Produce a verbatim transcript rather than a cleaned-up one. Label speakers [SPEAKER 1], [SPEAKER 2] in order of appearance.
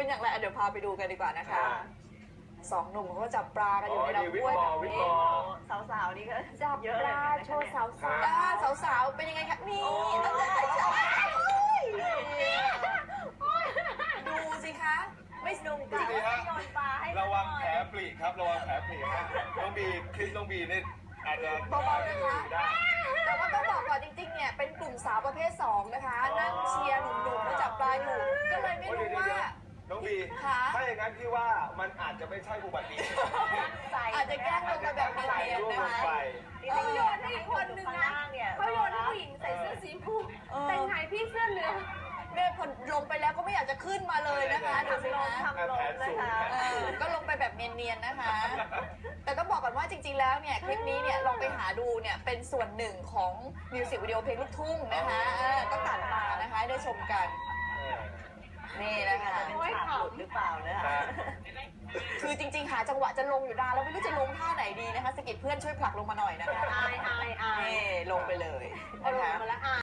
[SPEAKER 1] เป็นอย่างไรเดี๋ยวพาไปดูกันดีกว่านะคะสองหนุ่มเขาก็จับปลากันอยู่ในลำห้วยแบบนี้
[SPEAKER 2] สาวๆนี่ก็
[SPEAKER 1] จับปลาโชว์สาวสาวสาวๆเป็นยังไงคะนี่ดูสิคะไม่สนุกจริงโยนปลาให้
[SPEAKER 3] ระวังแผลปลีครับระวังแผลปลีฮะน้องบีคลิปน้องบีนี่อาจจะ
[SPEAKER 1] เบาๆนะคะแต่ว่าต้องบอกก่อนจริงๆเนี่ยเป็นกลุ่มสาวประเภทสองนะคะนั่งเชียร์หนุ่มๆมาจับปลาอยู่ก็เลยไม่รู้ว่า
[SPEAKER 3] น้องบีถ้าอย่างนั้นพี่ว่ามันอาจจะไม่ใช่อุบัติเหตุ
[SPEAKER 1] อาจจะแกล้งลงมาแบบเนียนๆนะคะ
[SPEAKER 2] เขาโยนให้อีกคนนึงนะเขาโยนให้ผู้หญิงใส่เสื้อสีชมพูแต่งไงพี่เสื้อเหลือง
[SPEAKER 1] แม่พอลงไปแล้วก็ไม่อยากจะขึ้นมาเลยนะคะดูสิคะ
[SPEAKER 2] ทำลงนะคะ
[SPEAKER 1] ก็ลงไปแบบเนียนๆนะคะแต่ต้องบอกก่อนว่าจริงๆแล้วเนี่ยคลิปนี้เนี่ยลองไปหาดูเนี่ยเป็นส่วนหนึ่งของมิวสิกวิดีโอเพลงลูกทุ่งนะคะก็ตัดมานะคะได้ชมกันนี่นะคะ
[SPEAKER 2] เป็นฉากหลุดหรือเปล่าเนี่ย
[SPEAKER 1] คือจริงๆหาจังหวะจะลงอยู่นานแล้วไม่รู้จะลงท่าไหนดีนะคะสกิดเพื่อนช่วยผลักลงมาหน่อยนะคะ
[SPEAKER 2] อายอายอาย
[SPEAKER 1] ลงไปเลย
[SPEAKER 2] นะคะ